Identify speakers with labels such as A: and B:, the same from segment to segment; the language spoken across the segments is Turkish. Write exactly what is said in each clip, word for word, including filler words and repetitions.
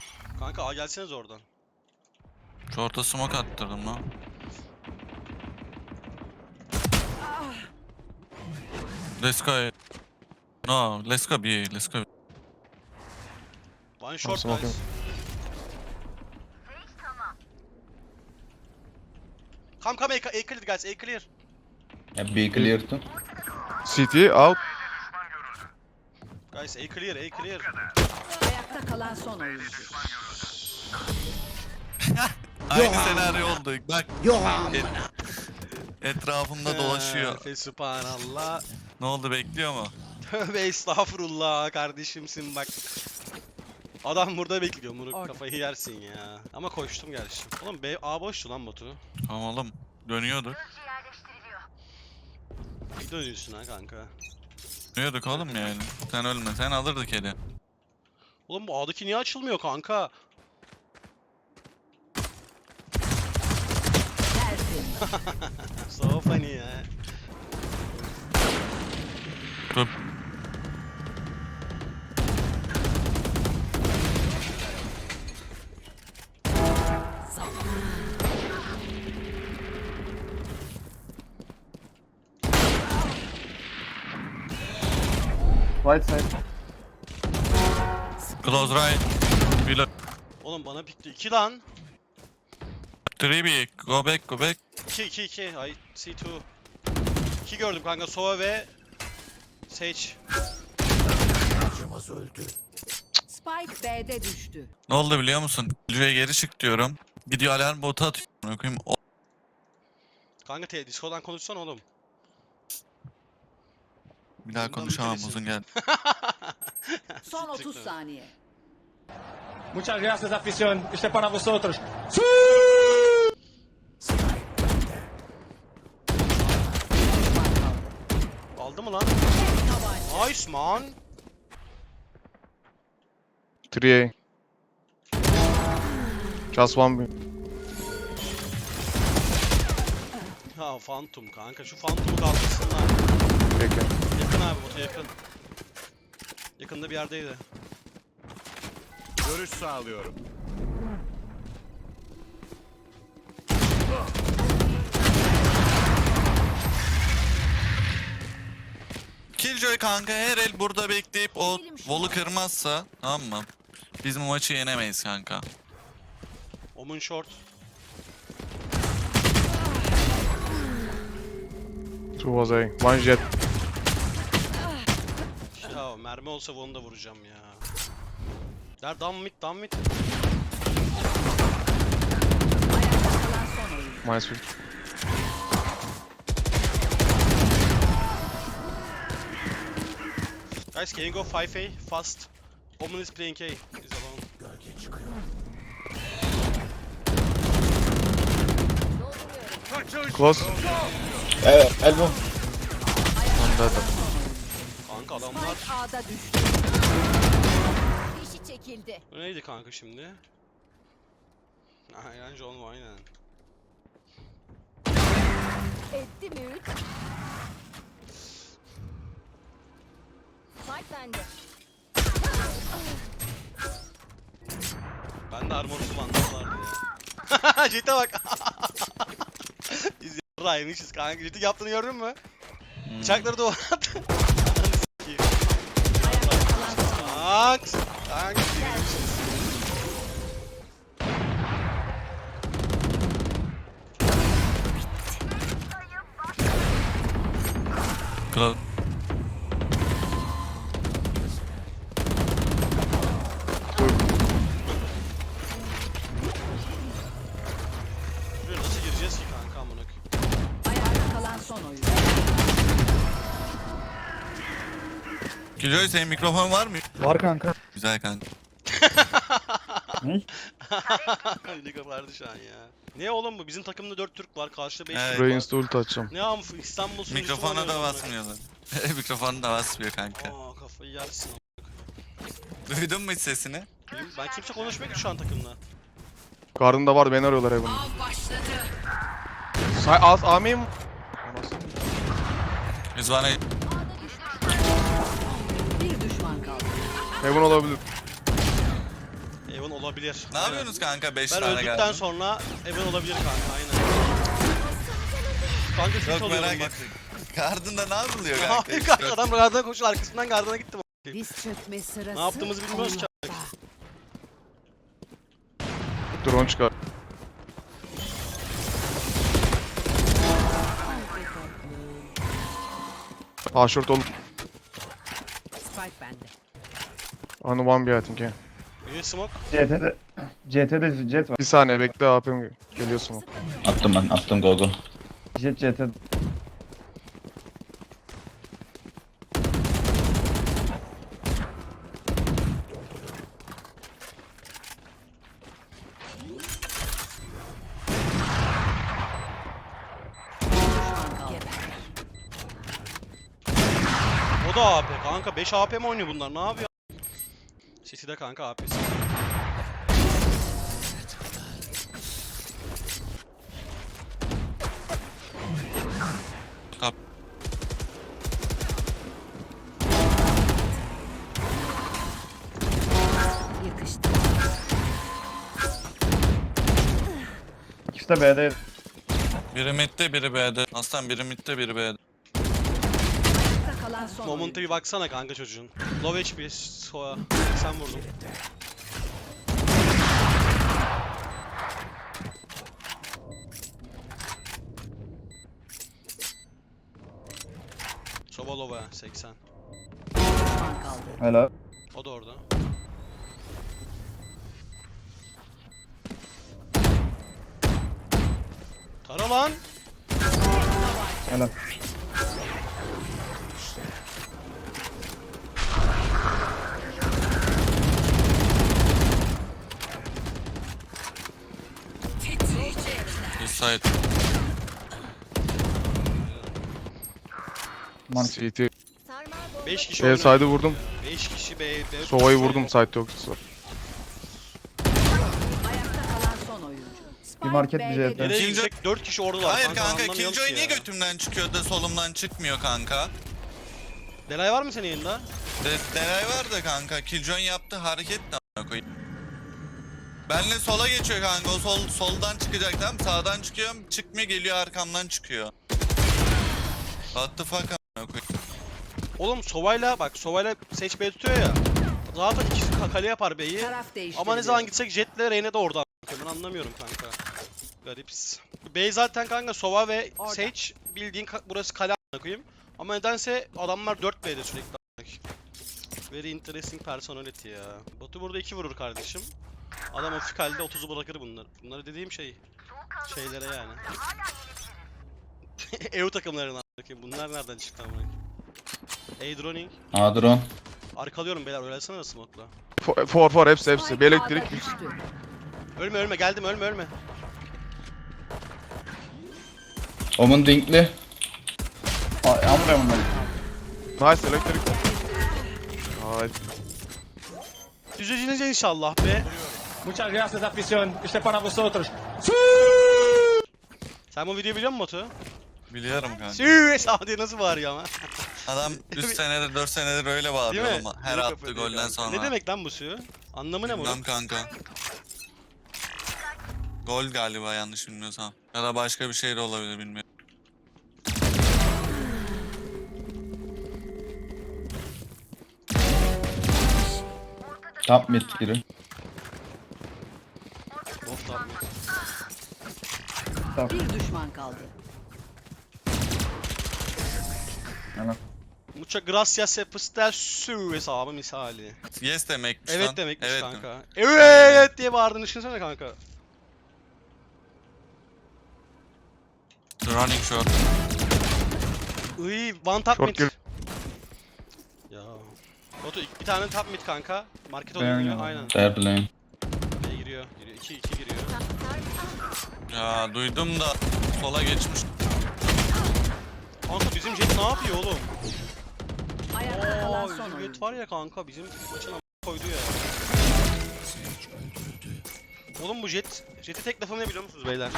A: Kanka A gelseniz oradan.
B: Short'a smoke attırdım lan. Let's go. No, let's go B, let's go.
A: One short
C: smoking.
A: guys. Come come A, A clear guys, A clear.
D: Yeah, be clear too.
C: C T out.
A: Guys A clear, A clear.
E: Ayakta kalan son oyuncu.
B: Aynı senaryo oldu. Bak. Et, etrafımda dolaşıyor.
A: Fe subhanallah.
B: Ne oldu, bekliyor mu?
A: Tövbe estağfurullah kardeşimsin bak. Adam burada bekliyor, bunu
E: Orada.
A: kafayı yersin ya. Ama koştum gerçi. Oğlum B A boştu lan Batu.
B: Tamam oğlum. Dönüyorduk.
A: Bir dönüyorsun ha kanka.
B: Dönüyorduk oğlum yani. Sen ölme. Sen alırdık eli.
A: Oğlum bu A'daki niye açılmıyor kanka?
E: Tersin.
A: So funny ya.
B: Dur.
C: Right side.
B: Close right. Below.
A: Oğlum bana pikti. iki lan.
B: three B. Go back, go back.
A: iki iki iki. I see two. iki gördüm kanka. Sova ve Sage.
E: Spike B'de düştü.
B: Ne oldu biliyor musun? Lüye geri çık diyorum. Gidiyor alarm botu atıyor. Amına koyayım. O-
A: Kanka te Discord'dan konuşsana oğlum.
B: Bir daha
A: Bundan
B: konuşamam,
A: ülkelisin.
B: uzun gel.
E: Son otuz saniye.
F: Muchas gracias, afición. Este es para vosotros.
A: Aldı mı lan? Nice man.
C: three A. Just one B.
A: Ha Phantom kanka. Şu Phantom'u kaldırsınlar.
C: Peki.
A: Yakın abi botu yakın. Yakında bir yerdeydi.
G: Görüş sağlıyorum.
B: Killjoy kanka her el burada bekleyip o volu kırmazsa, tamam mı? Biz bu maçı yenemeyiz kanka.
A: Omun short.
C: Two was A. One jet.
A: Ya mermi olsa onu da vuracağım ya. Der down mid, down mid.
E: Ayakta kalan son oyuncu.
C: Minus fifty.
A: Guys, can you go five A fast? Omen is playing A. He's alone.
C: Close.
D: Uh, elbow.
C: One dead.
A: Kanka adamlar.
E: Spike A'da düştü. Dişi çekildi.
A: Bu neydi kanka şimdi? Aynen John aynen.
E: Etti mi üç? Spike bende.
A: Ben de armor kullandım vardı ya. Jet'e bak. Biz yarraymışız kanka. Jet'in yaptığını gördün mü?
B: Hmm.
A: Bıçakları duvara attı. Ananı sikeyim.
E: Ayakta kalan son oyuncu.
A: Kanks. Kanks. yemişiz.
B: Close.
A: Buraya nasıl gireceğiz ki kanka amına koyayım?
E: Ayakta kalan son oyuncu.
B: Killjoy senin mikrofon var mı?
C: Var kanka.
B: Güzel kanka.
A: Liga vardı şu an ya. Ne oğlum bu? Bizim takımda dört Türk var. Karşıda beş
B: Evet.
A: Türk var.
C: Buraya insta ult atacağım.
A: Ne am İstanbul sunucusu
B: Mikrofona
A: var
B: da
A: ya.
B: basmıyorlar. Mikrofonu da basmıyor kanka.
A: Aa kafayı yersin.
B: Duydun mu hiç sesini?
A: Ben kimse konuşmuyor ki şu an takımda.
C: Gardında var, beni arıyorlar Heaven'da. Say az A miyim?
B: Biz bana
E: Bir düşman kaldı.
C: Heaven olabilir.
A: Eyvallah. Evan olabilir.
B: Ne
A: Aynen.
B: yapıyorsunuz kanka beş
A: Ben
B: tane
A: öldükten
B: geldim.
A: sonra Evan olabilir kanka aynen. Kanka fit
B: Çok
A: oluyorum
B: merak
A: bak.
B: ettim. Gardında ne yapılıyor kanka?
A: Hayır kanka adam gardına koşuyor arkasından gardına gittim.
E: Diz çökme sırası.
A: Ne yaptığımızı bilmiyoruz ki.
E: onda.
C: Drone çıkar. A short ol.
E: Spike bende.
C: On one B I think yeah.
A: Bir smoke.
G: C T'de C T'de jet var.
C: Bir saniye bekle A P'm geliyor smoke.
D: Attım ben, attım go go.
G: Jet C T'de.
A: O da A P kanka beş A P mi oynuyor bunlar ne yapıyor? City'de kanka A P'si.
B: Kap.
E: Yakıştı.
G: İkisi de B'de.
B: Biri midde biri B'de. Aslan biri midde biri B'de.
E: Ayakta kalan son
A: Moment'a
E: oyuncu.
A: bir baksana kanka çocuğun. Low H P, Soa. Sen vurdun. Soba low ha, seksen.
E: Düşman kaldı.
G: Helal.
A: O da orada. Tara lan.
G: Helal.
B: Bir side.
G: Man.
C: C T.
A: beş kişi
C: B
A: oynuyor.
C: side'ı vurdum.
A: beş kişi B. B
C: Sova'yı vurdum side yok.
E: Ayakta kalan son oyuncu. Spike
G: Bir market
E: B'de
G: bir jet.
E: düştü.
A: Nereye
B: Killjoy-
A: gitsek dört kişi oradalar.
B: Hayır kanka
A: anlamıyorum
B: Killjoy
A: ki
B: niye
A: ya.
B: götümden çıkıyor da solumdan çıkmıyor kanka?
A: Delay var mı senin yayında?
B: De Delay var da kanka Killjoy yaptı hareket de a**ına koyayım. Benle sola geçiyor kanka o sol soldan çıkacak tamam sağdan çıkıyorum çıkmıyor geliyor arkamdan çıkıyor. What the fuck a**ına koyayım.
A: Oğlum Sova'yla bak Sova'yla Sage B tutuyor ya. Zaten ikisi ka- kale yapar B'yi.
E: Taraf değiştirdi.
A: Ama ne zaman gitsek Jet'le Reyna da orada. Ben anlamıyorum kanka. Garips. B zaten kanka Sova ve
E: Orada.
A: Sage bildiğin ka- burası kale a**ına koyayım. Ama nedense adamlar dört B'de sürekli a**ına koyayım. Very interesting personality ya. Batu burada iki vurur kardeşim. Adam hafif halde otuzu bırakır bunlar. Bunları dediğim şey. Şeylere yani. E U takımlarına a**ına koyayım. Bunlar nereden çıktı amına koyayım? A droning.
D: A drone.
A: Arkalıyorum beyler öylesene de smoke'la.
C: For for, for hepsi hepsi.
E: Spike
C: Bir elektrik.
E: A'da düştü.
A: Ölme ölme geldim ölme ölme.
D: Omun dinkli.
G: Amra bunlar.
C: Nice elektrik. Nice.
A: Düzeleceğiniz inşallah be.
F: Muchas gracias, afición. Este para vosotros.
A: Sen bu videoyu biliyor musun Batu?
B: Biliyorum kanka.
A: Süüü Saudi nasıl bağırıyor ama.
B: Adam üç senedir dört senedir öyle
A: Değil
B: bağırıyor
A: mi?
B: ama her
A: Büyük
B: attığı
A: yapıyor
B: golden
A: kanka.
B: sonra.
A: Ne demek lan bu süüü? Anlamı ne bu?
B: Bilmem kanka. Gol galiba yanlış bilmiyorsam. Ya da başka bir şey de olabilir bilmiyorum.
D: Top mid biri.
A: Of tabii.
E: Bir düşman kaldı.
G: Helal.
A: Muchas gracias por süüü hesabı misali.
B: Yes demekmiş lan.
A: Evet demekmiş
B: evet
A: kanka.
B: demek.
A: Evet diye bağırdığını düşünsene kanka.
B: Running short.
A: Iy one tap
C: Short
A: mid.
C: gir.
A: Ya. Batu ilk- bir tane tap mid kanka. Market
G: Ben
A: oynuyor
G: oynuyorum.
A: aynen.
D: Third lane.
A: B giriyor. Giriyor. iki iki giriyor.
B: Ya duydum da sola geçmiş.
A: Kanka bizim Jet ne yapıyor oğlum?
E: Ayakta kalan
A: Aa,
E: son
A: bizim
E: oyuncu.
A: Jet var ya kanka bizim maçın a** koydu ya. Oğlum bu Jet, Jet'i tek lafım ne biliyor musunuz beyler?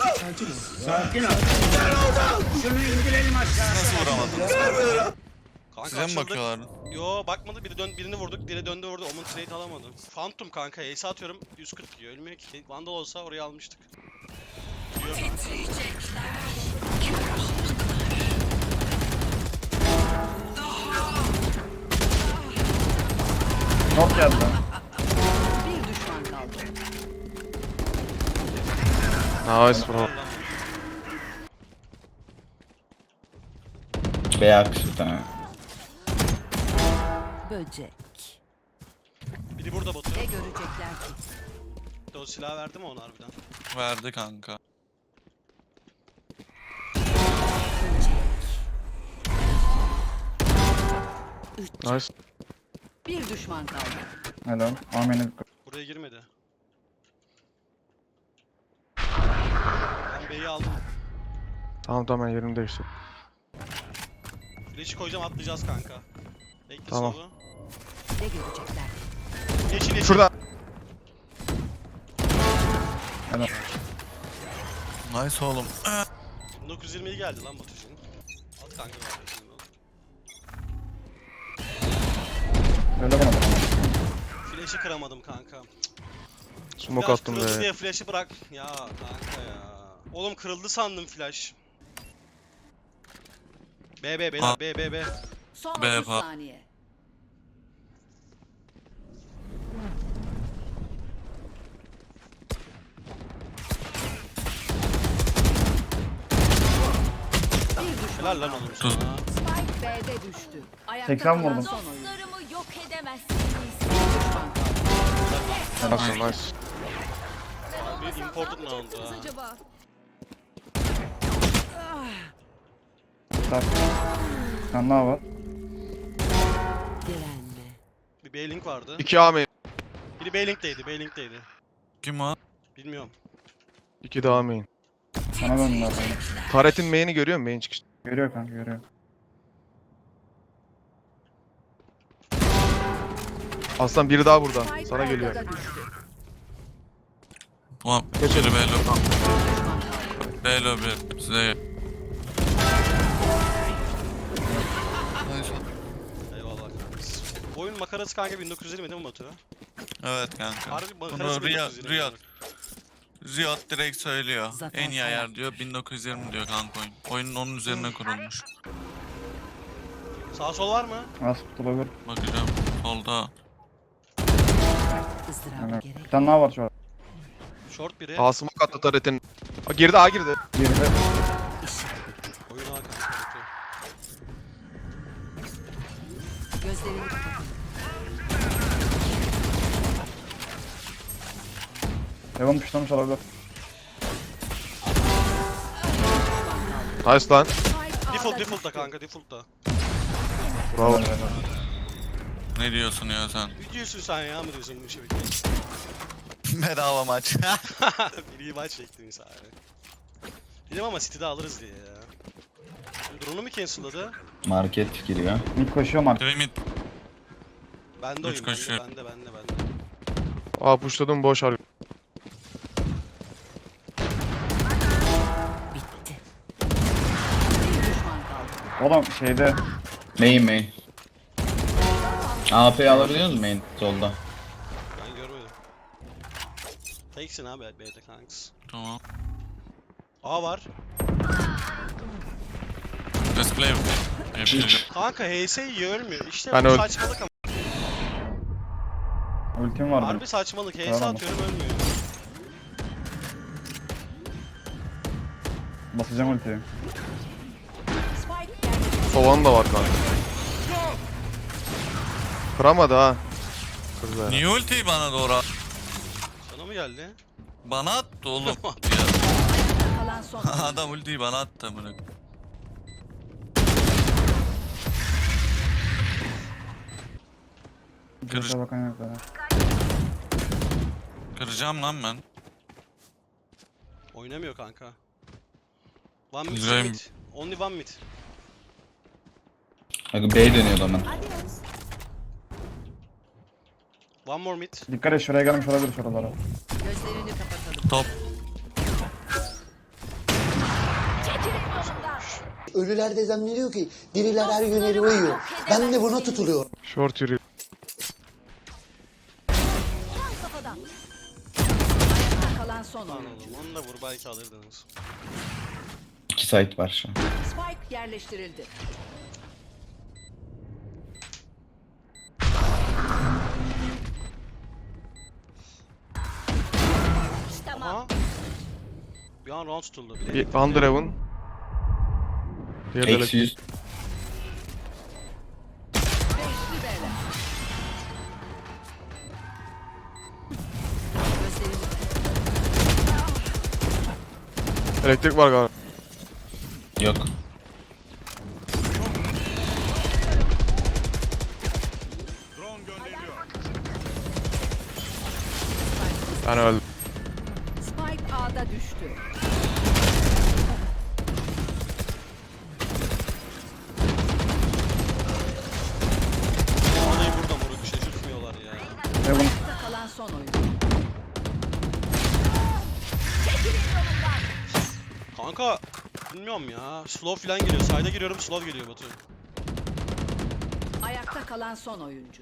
B: Nasıl vuramadın?
A: Kanka
B: Size mi
A: açıldık.
B: bakıyorlar?
A: Yo bakmadı. Biri dön birini vurduk. Biri döndü vurdu. Omun trade alamadı. Phantom kanka. Ace atıyorum. yüz kırk yiyor. Ölmüyor ki. Vandal olsa oraya almıştık. Yiyor kanka.
G: Not geldi.
E: Bir düşman kaldı.
C: Nice bro.
D: Beyaz bir tane.
E: Böcek.
A: Biri burada Batu.
E: Ne görecekler ki?
A: O silah verdi mi ona harbiden?
B: Verdi kanka.
C: Nice.
E: Bir düşman kaldı.
G: Helal. Amen'e
A: Buraya girmedi. Ben B'yi aldım.
C: Tamam tamam ben yerimi değiştirdim.
A: Flash'i koyacağım atlayacağız kanka. Bekle
C: Tamam.
A: solu.
E: Ne görecekler?
A: Yeşil yeşil.
C: Şurada.
B: Nice oğlum.
A: bin dokuz yüz yirmi geldi lan Batucuğum. At kanka.
G: öyle bana bak.
A: Flash'i kıramadım kanka.
C: Smoke
A: Flash
C: attım
A: kırıldı
C: be.
A: diye flash'ı bırak. Ya kanka ya. Oğlum kırıldı sandım flash. B B beyler
B: Ha.
A: B B B.
E: Son
B: Be
E: otuz
B: pa-
E: saniye. Bir düşman
A: Helal lan
E: kaldı.
A: oğlum
B: Dur.
A: sana.
E: Spike B'de düştü. Ayakta
G: seksen
E: kalan
G: vurdum.
E: son oyuncu.
H: Dostlarımı yok edemezsiniz.
E: Bir düşman kaldı.
C: Nice nice.
A: Bir imported ne oldu ha?
H: Acaba?
G: Tak. Bir tane daha var.
E: Direnme.
A: Bir B-Link vardı.
C: İki A main.
A: Biri B-Link'teydi, B-Link'teydi.
B: Kim o?
A: Bilmiyorum.
C: İki de A main.
G: Sana döndüler.
C: Taret'in main'i görüyor musun? Main çıkış.
G: Görüyor kanka görüyor.
C: Aslan biri daha burada.
E: Spike
C: Sana geliyor.
E: ortada düştü.
B: Ulan
C: Geçelim.
B: biri Belo.
E: Düşman kaldı.
B: Belo bir. Size. Nice.
A: Eyvallah kanka. Bu oyun makarası kanka bin dokuz yüz yirmi değil mi Batu?
B: Evet kanka.
A: Harbi makarası
B: Bunu
A: bin
B: Riot,
A: dokuz yüz yirmi.
B: Riot, Riot direkt söylüyor.
E: Zafer
B: En iyi
E: Saray.
B: ayar diyor bin dokuz yüz yirmi diyor kanka oyun. Oyunun onun üzerine kurulmuş.
A: Sağ sol var mı?
G: Az tutulabilir.
B: Bakacağım. Solda.
E: Izdırabı
G: Yani
E: gerek.
G: bir tane daha var şu an.
A: Short biri.
C: A smoke attı Taret'in. A girdi A girdi.
G: Geride.
A: Oyun A kanka. Batu.
E: Gözlerini kapatın.
G: Evan puşlamış olabilir.
C: Nice lan.
E: Spike
A: Default
E: A'da
A: default da
E: düştü.
A: kanka default da.
C: Bravo.
G: Helal, helal.
B: Ne diyorsun ya sen?
A: Ne diyorsun sen ya mı diyorsun bu işe bekle.
B: Bedava maç.
A: Bir iyi maç bekledim sadece. Dedim ama City'de alırız diye ya. Drone'u mu cancelladı?
D: Market giriyor.
G: Mid koşuyor market.
B: Trimit.
A: Bende
B: Üç
A: oyun bende
B: koşuyor.
A: bende bende bende.
C: A pushladım boş harbi.
E: Bitti. Bir düşman kaldı.
G: Oğlum şeyde.
D: Main main. A P'yi alabiliyor musun main solda?
A: Ben görmedim. Teksin abi B'de kanks.
B: Tamam.
A: A var.
B: Let's play. Yapacağım.
A: Kanka H S yiyor ölmüyor. İşte
C: Ben
A: bu
C: öl-
A: saçmalık ama.
G: Ultim var benim.
A: Harbi saçmalık. H S
G: Tamam.
A: atıyorum ölmüyor.
G: Basacağım ultiyi.
E: Spike yerleşti.
C: Soğan da var kanka. Kıramadı ha. Kırdı ya.
B: Niye ultiyi bana doğru at-
A: Sana mı geldi?
B: Bana attı oğlum. Ya,
E: Kalan son oyuncu.
B: adam ultiyi bana attı amına. Kırış-
G: Göze bakan yok zaten.
B: Kıracağım lan ben.
A: Oynamıyor kanka. One mid,
B: Güzel.
A: two mid. Only one mid.
D: Bak B dönüyor zaman.
A: One more mid.
G: Dikkat et şuraya gelmiş olabilir şuralara.
E: Gözlerini kapatalım.
B: Top.
H: Çekilin yolumdan. Ölüler de zannediyor ki diriler her gün helva yiyor. Ben de buna tutuluyorum.
C: Short yürüyor.
E: Kafadan. Ayakta kalan son
A: Lan
E: oyuncu.
A: oğlum onu da vur belki alırdınız.
D: İki site var şu an.
E: Spike yerleştirildi. Tamam.
A: Aha. Bir an round tutuldu. Bir
C: Bir Under Heaven. Diğer de
D: Eksi yüz.
E: Beşli bela. Gözlerini
C: elektrik var galiba.
D: Yok.
C: Ben öldüm.
E: Spike A'da düştü.
A: Anayı burada moruk şaşırtmıyorlar ya.
G: Heaven.
E: Ayakta kalan son oyuncu.
A: Kanka bilmiyorum ya. Slow falan geliyor. Side'a giriyorum slow geliyor Batu.
E: Ayakta kalan son oyuncu.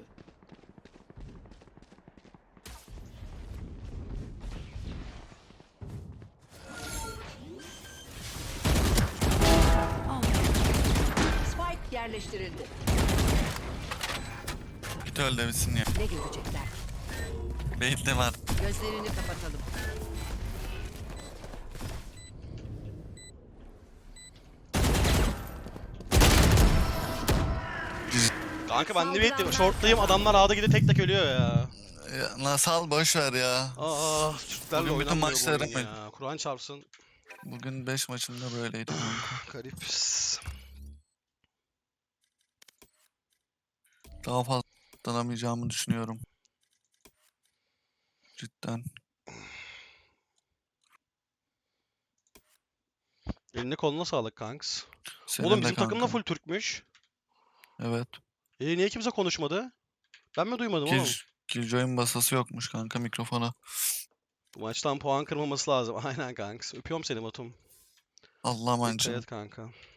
E: Spike yerleştirildi.
B: Git öl demişsin ya.
E: Ne görecekler?
B: Beyitli var.
E: Gözlerini kapatalım.
A: Kanka ben ne bekliyorum. Short'tayım adamlar A'da gidip tek tek ölüyor ya.
B: Ya, Nasal boş ver ya.
A: Aa, Türklerle
B: Bugün bütün
A: oynanmıyor bu
B: maçları
A: oyun
B: mı-
A: ya. Kur'an çarpsın.
B: Bugün beş maçında böyleydi kanka.
A: Garip.
B: Daha fazla danamayacağımı düşünüyorum. Cidden.
A: Eline koluna sağlık kanks.
B: Senin
A: Oğlum
B: de
A: bizim takım da
B: kanka.
A: full Türkmüş.
B: Evet.
A: E niye kimse konuşmadı? Ben mi duymadım oğlum?
B: Kill, Killjoy'un basası yokmuş kanka mikrofona.
A: Bu maçtan puan kırmaması lazım. Aynen kanks. Öpüyorum seni Batum.
B: Allah'a
A: Dikkat
B: emanet.
A: et kanka.